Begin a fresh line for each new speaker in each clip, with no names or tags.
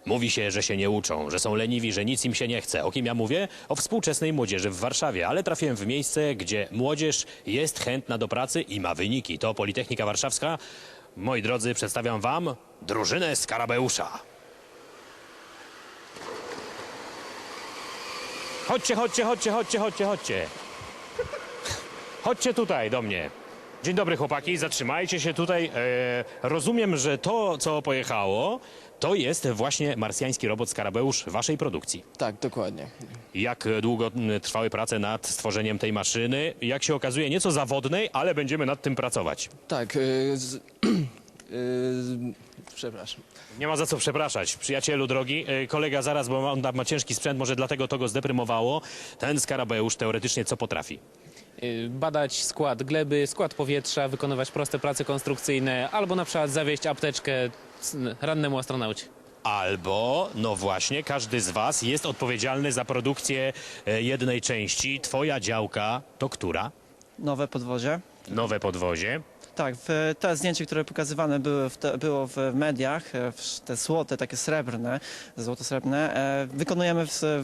Mówi się, że się nie uczą, że są leniwi, że nic im się nie chce. O kim ja mówię? O współczesnej młodzieży w Warszawie, ale trafiłem w miejsce, gdzie młodzież jest chętna do pracy i ma wyniki. To Politechnika Warszawska. Moi drodzy, przedstawiam wam drużynę Skarabeusza. Chodźcie, chodźcie, chodźcie, chodźcie, chodźcie, chodźcie. Chodźcie tutaj do mnie. Dzień dobry chłopaki, zatrzymajcie się tutaj. Rozumiem, że to, co pojechało, to jest właśnie marsjański robot Skarabeusz waszej produkcji.
Tak, dokładnie.
Jak długo trwały prace nad stworzeniem tej maszyny? Jak się okazuje, nieco zawodnej, ale będziemy nad tym pracować.
Tak, przepraszam.
Nie ma za co przepraszać. Przyjacielu drogi, kolega zaraz, bo on ma ciężki sprzęt, może dlatego to go zdeprymowało. Ten Skarabeusz teoretycznie co potrafi?
Badać skład gleby, skład powietrza, wykonywać proste prace konstrukcyjne albo na przykład zawieźć apteczkę rannemu astronaucie.
Albo, no właśnie, każdy z was jest odpowiedzialny za produkcję jednej części. Twoja działka to która?
Nowe podwozie.
Nowe podwozie.
Tak, to zdjęcie, które pokazywane było w mediach, te złote, takie srebrne, złoto-srebrne, wykonujemy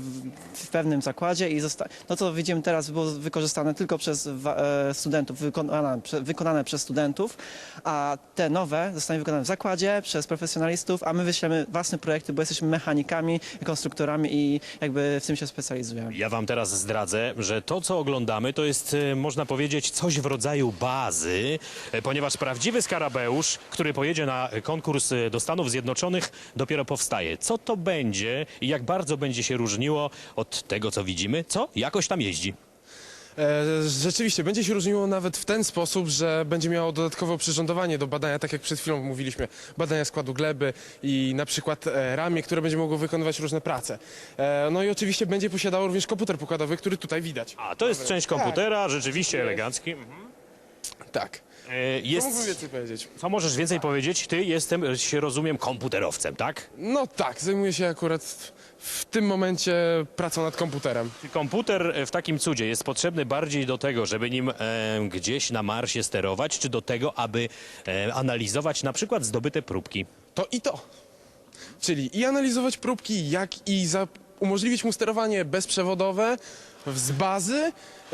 w pewnym zakładzie i to, co widzimy teraz, było wykorzystane tylko przez studentów, wykonane przez studentów, a te nowe zostanie wykonane w zakładzie przez profesjonalistów, a my wyślemy własne projekty, bo jesteśmy mechanikami, konstruktorami i jakby w tym się specjalizujemy.
Ja wam teraz zdradzę, że to, co oglądamy, to jest, można powiedzieć, coś w rodzaju bazy, ponieważ prawdziwy Skarabeusz, który pojedzie na konkurs do Stanów Zjednoczonych, dopiero powstaje. Co to będzie i jak bardzo będzie się różniło od tego, co widzimy? Co? Jakoś tam jeździ.
Rzeczywiście, będzie się różniło nawet w ten sposób, że będzie miało dodatkowe oprzyrządowanie do badania, tak jak przed chwilą mówiliśmy, badania składu gleby i na przykład ramię, które będzie mogło wykonywać różne prace. No i oczywiście będzie posiadało również komputer pokładowy, który tutaj widać.
A, to jest część komputera, rzeczywiście elegancki.
Tak. Co mógłbym więcej powiedzieć?
Co możesz więcej powiedzieć? Ty się rozumiem, komputerowcem, tak?
No tak, zajmuję się akurat w tym momencie pracą nad komputerem.
Czy komputer w takim cudzie jest potrzebny bardziej do tego, żeby nim gdzieś na Marsie sterować, czy do tego, aby analizować na przykład zdobyte próbki?
To i to. Czyli i analizować próbki, jak i umożliwić mu sterowanie bezprzewodowe z bazy.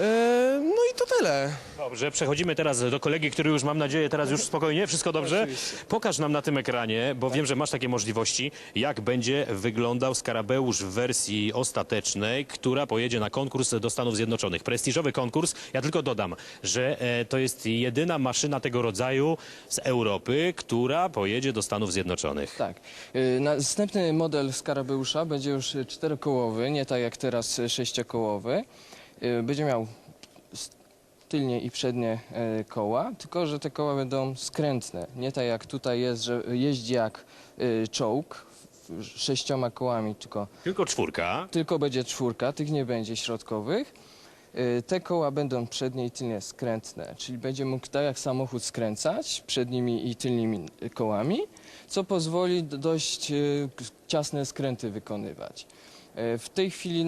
No i to tyle.
Dobrze, przechodzimy teraz do kolegi, który już, mam nadzieję, teraz już spokojnie, wszystko dobrze?
Oczywiście.
Pokaż nam na tym ekranie, bo wiem, że masz takie możliwości, jak będzie wyglądał Skarabeusz w wersji ostatecznej, która pojedzie na konkurs do Stanów Zjednoczonych. Prestiżowy konkurs. Ja tylko dodam, że to jest jedyna maszyna tego rodzaju z Europy, która pojedzie do Stanów Zjednoczonych.
Tak. Następny model Skarabeusza będzie już czterokołowy, nie tak jak teraz sześciokołowy. Będzie miał tylnie i przednie koła, tylko że te koła będą skrętne. Nie tak jak tutaj jest, że jeździ jak czołg 6 kołami,
Tylko czwórka.
tylko będzie czwórka, tych nie będzie środkowych. Te koła będą przednie i tylnie skrętne, czyli będzie mógł tak jak samochód skręcać przednimi i tylnymi kołami, co pozwoli dość ciasne skręty wykonywać. W tej chwili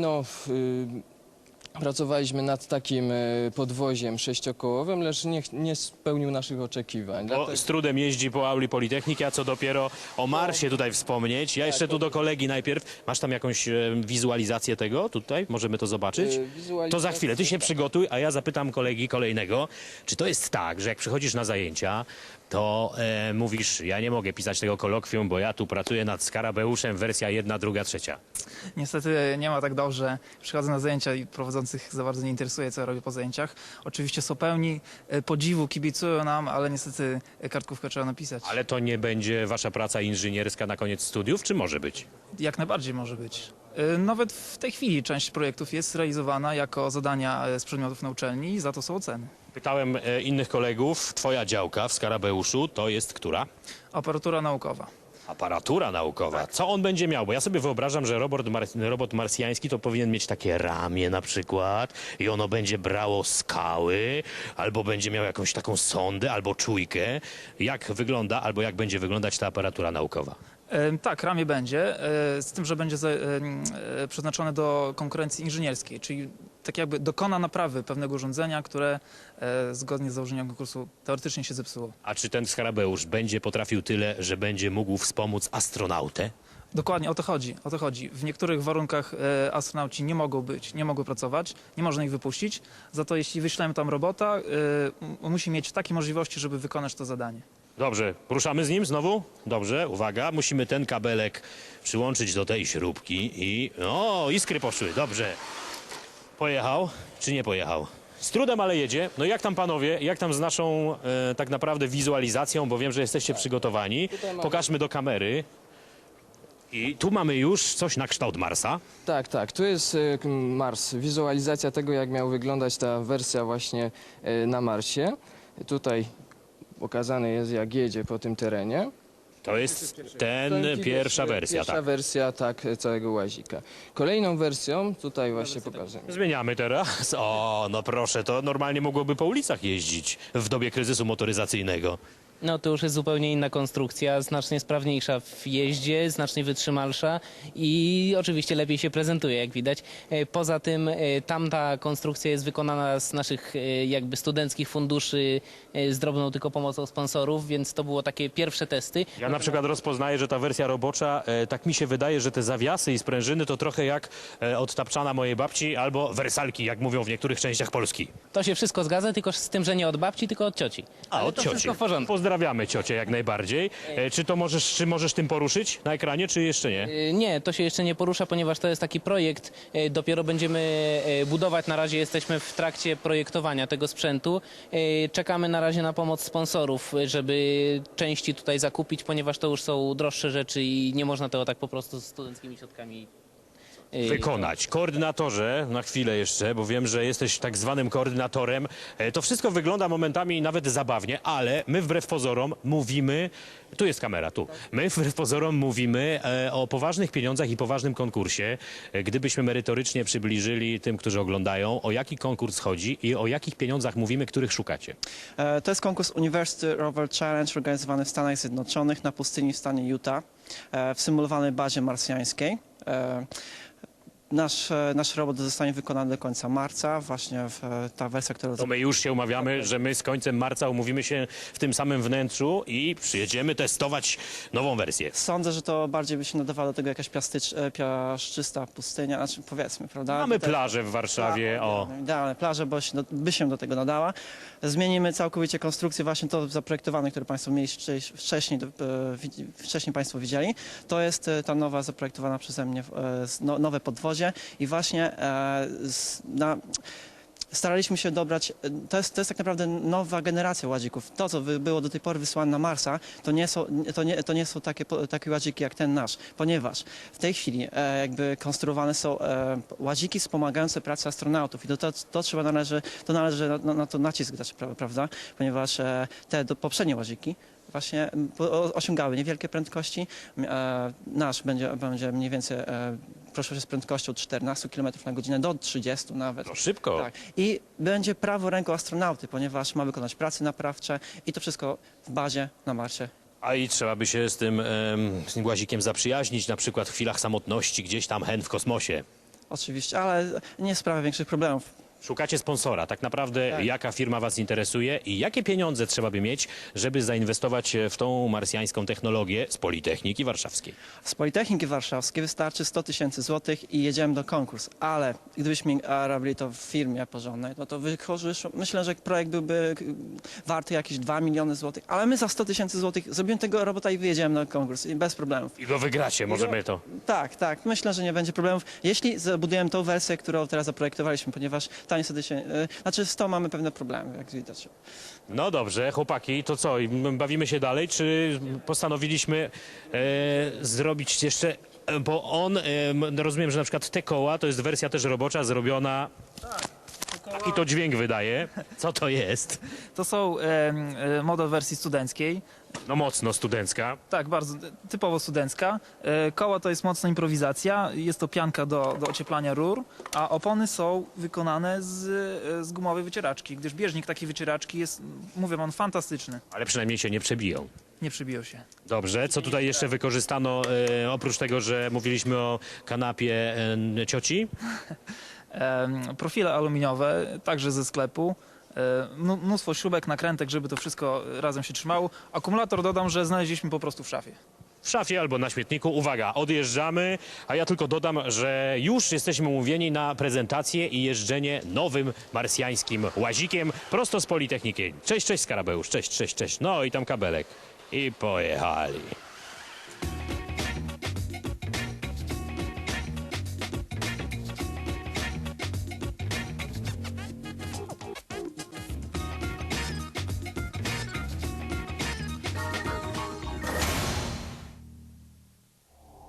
pracowaliśmy nad takim podwoziem sześciokołowym, lecz nie spełnił naszych oczekiwań.
Bo z trudem jeździ po auli Politechniki, a co dopiero o Marsie tutaj wspomnieć. Ja jeszcze tu do kolegi najpierw. Masz tam jakąś wizualizację tego tutaj? Możemy to zobaczyć? To za chwilę. Ty się przygotuj, a ja zapytam kolegi kolejnego, czy to jest tak, że jak przychodzisz na zajęcia, to mówisz, ja nie mogę pisać tego kolokwium, bo ja tu pracuję nad Skarabeuszem, wersja 1, 2, 3.
Niestety nie ma tak dobrze. Przychodzę na zajęcia i prowadzących za bardzo nie interesuje, co ja robię po zajęciach. Oczywiście są pełni podziwu, kibicują nam, ale niestety kartkówkę trzeba napisać.
Ale to nie będzie wasza praca inżynierska na koniec studiów, czy może być?
Jak najbardziej może być. Nawet w tej chwili część projektów jest realizowana jako zadania z przedmiotów na uczelni i za to są oceny.
Pytałem innych kolegów, twoja działka w Skarabeuszu to jest która?
Aparatura naukowa.
Aparatura naukowa. Co on będzie miał? Bo ja sobie wyobrażam, że robot marsjański to powinien mieć takie ramię na przykład i ono będzie brało skały, albo będzie miał jakąś taką sondę, albo czujkę. Jak wygląda, albo jak będzie wyglądać ta aparatura naukowa?
Tak, ramię będzie, z tym, że będzie przeznaczone do konkurencji inżynierskiej, czyli tak jakby dokona naprawy pewnego urządzenia, które zgodnie z założeniami konkursu teoretycznie się zepsuło.
A czy ten Skarabeusz będzie potrafił tyle, że będzie mógł wspomóc astronautę?
Dokładnie, o to chodzi, o to chodzi. W niektórych warunkach astronauci nie mogą być, nie mogą pracować, nie można ich wypuścić. Za to jeśli wyślemy tam robota, musi mieć takie możliwości, żeby wykonać to zadanie.
Dobrze, ruszamy z nim znowu? Dobrze, uwaga, musimy ten kabelek przyłączyć do tej śrubki i... O, iskry poszły, dobrze. Pojechał, czy nie pojechał? Z trudem, ale jedzie. No jak tam panowie, jak tam z naszą tak naprawdę wizualizacją, bo wiem, że jesteście przygotowani. Pokażmy do kamery. I tu mamy już coś na kształt Marsa.
Tak, tak. Tu jest Mars. Wizualizacja tego, jak miał wyglądać ta wersja właśnie na Marsie. Tutaj pokazane jest, jak jedzie po tym terenie.
To jest ten pierwsza wersja,
Pierwsza
tak.
wersja, tak, całego łazika. Kolejną wersją, tutaj właśnie pokażemy.
Zmieniamy teraz. O, no proszę, to normalnie mogłoby po ulicach jeździć w dobie kryzysu motoryzacyjnego.
No to już jest zupełnie inna konstrukcja, znacznie sprawniejsza w jeździe, znacznie wytrzymalsza i oczywiście lepiej się prezentuje, jak widać. Poza tym tamta konstrukcja jest wykonana z naszych jakby studenckich funduszy z drobną tylko pomocą sponsorów, więc to było takie pierwsze testy.
Ja na przykład rozpoznaję, że ta wersja robocza, tak mi się wydaje, że te zawiasy i sprężyny to trochę jak od tapczana mojej babci albo wersalki, jak mówią w niektórych częściach Polski.
To się wszystko zgadza, tylko z tym, że nie od babci, tylko od cioci.
A,
Ale
od
to
cioci.
wszystko w porządku.
Pozdrawiamy ciocię jak najbardziej. Czy możesz tym poruszyć na ekranie, czy jeszcze nie?
Nie, to się jeszcze nie porusza, ponieważ to jest taki projekt. Dopiero będziemy budować. Na razie jesteśmy w trakcie projektowania tego sprzętu. Czekamy na razie na pomoc sponsorów, żeby części tutaj zakupić, ponieważ to już są droższe rzeczy i nie można tego tak po prostu z studenckimi środkami
Wykonać. Koordynatorze, na chwilę jeszcze, bo wiem, że jesteś tak zwanym koordynatorem. To wszystko wygląda momentami nawet zabawnie, ale my wbrew pozorom mówimy, tu jest kamera, tu. My wbrew pozorom mówimy o poważnych pieniądzach i poważnym konkursie. Gdybyśmy merytorycznie przybliżyli tym, którzy oglądają, o jaki konkurs chodzi i o jakich pieniądzach mówimy, których szukacie.
To jest konkurs University Rover Challenge organizowany w Stanach Zjednoczonych na pustyni w stanie Utah, w symulowanej bazie marsjańskiej. Nasz robot zostanie wykonany do końca marca, właśnie ta wersja, którą...
To my już się umawiamy, że my z końcem marca umówimy się w tym samym wnętrzu i przyjedziemy testować nową wersję.
Sądzę, że to bardziej by się nadawała do tego jakaś piaszczysta pustynia, znaczy powiedzmy, prawda?
Mamy
Tutaj-
plażę w Warszawie, o.
Idealne plaże, by się do tego nadała. Zmienimy całkowicie konstrukcję, właśnie to zaprojektowane, które Państwo mieli wcześniej Państwo widzieli. To jest ta nowa, zaprojektowana przeze mnie nowe podwozie i właśnie staraliśmy się dobrać, to jest tak naprawdę nowa generacja łazików. To, co było do tej pory wysłane na Marsa, to nie są takie łaziki jak ten nasz, ponieważ w tej chwili jakby konstruowane są łaziki wspomagające pracę astronautów i to należy na to nacisk dać, prawda? Ponieważ te poprzednie łaziki właśnie osiągały niewielkie prędkości. Nasz będzie mniej więcej proszę z prędkością 14 km na godzinę do 30 nawet.
To szybko.
Tak. I będzie prawą ręką astronauty, ponieważ ma wykonać prace naprawcze i to wszystko w bazie na Marsie.
A i trzeba by się z tym łazikiem zaprzyjaźnić, na przykład w chwilach samotności, gdzieś tam hen w kosmosie.
Oczywiście, ale nie sprawia większych problemów.
Szukacie sponsora. Tak naprawdę jaka firma was interesuje i jakie pieniądze trzeba by mieć, żeby zainwestować w tą marsjańską technologię z Politechniki Warszawskiej?
Z Politechniki Warszawskiej wystarczy 100 000 złotych i jedziemy do konkursu. Ale gdybyśmy robili to w firmie porządnej, no to myślę, że projekt byłby warty jakieś 2 miliony złotych. Ale my za 100 000 złotych zrobimy tego robota i wyjedziemy na konkurs i bez problemów.
I go wygracie, możemy to.
Tak. Myślę, że nie będzie problemów. Jeśli zabudujemy tą wersję, którą teraz zaprojektowaliśmy, ponieważ ta niestety się... Znaczy z tą mamy pewne problemy, jak widać.
No dobrze, chłopaki, to co? Bawimy się dalej, czy postanowiliśmy zrobić jeszcze... Bo rozumiem, że na przykład te koła, to jest wersja też robocza, zrobiona... Taki to dźwięk wydaje. Co to jest?
To są model wersji studenckiej.
No mocno studencka.
Tak, bardzo typowo studencka. Koła to jest mocna improwizacja, jest to pianka do ocieplania rur, a opony są wykonane z gumowej wycieraczki, gdyż bieżnik takiej wycieraczki jest, mówię wam, fantastyczny.
Ale przynajmniej się nie przebiją.
Nie przybiją się.
Dobrze, co tutaj jeszcze wykorzystano, oprócz tego, że mówiliśmy o kanapie cioci?
Profile aluminiowe, także ze sklepu. Mnóstwo śrubek, nakrętek, żeby to wszystko razem się trzymało. Akumulator dodam, że znaleźliśmy po prostu w szafie.
w szafie albo na śmietniku. Uwaga, odjeżdżamy, a ja tylko dodam, że już jesteśmy umówieni na prezentację i jeżdżenie nowym marsjańskim łazikiem prosto z Politechniki. Cześć, cześć Skarabeusz, cześć, cześć, cześć. No i tam kabelek. I pojechali.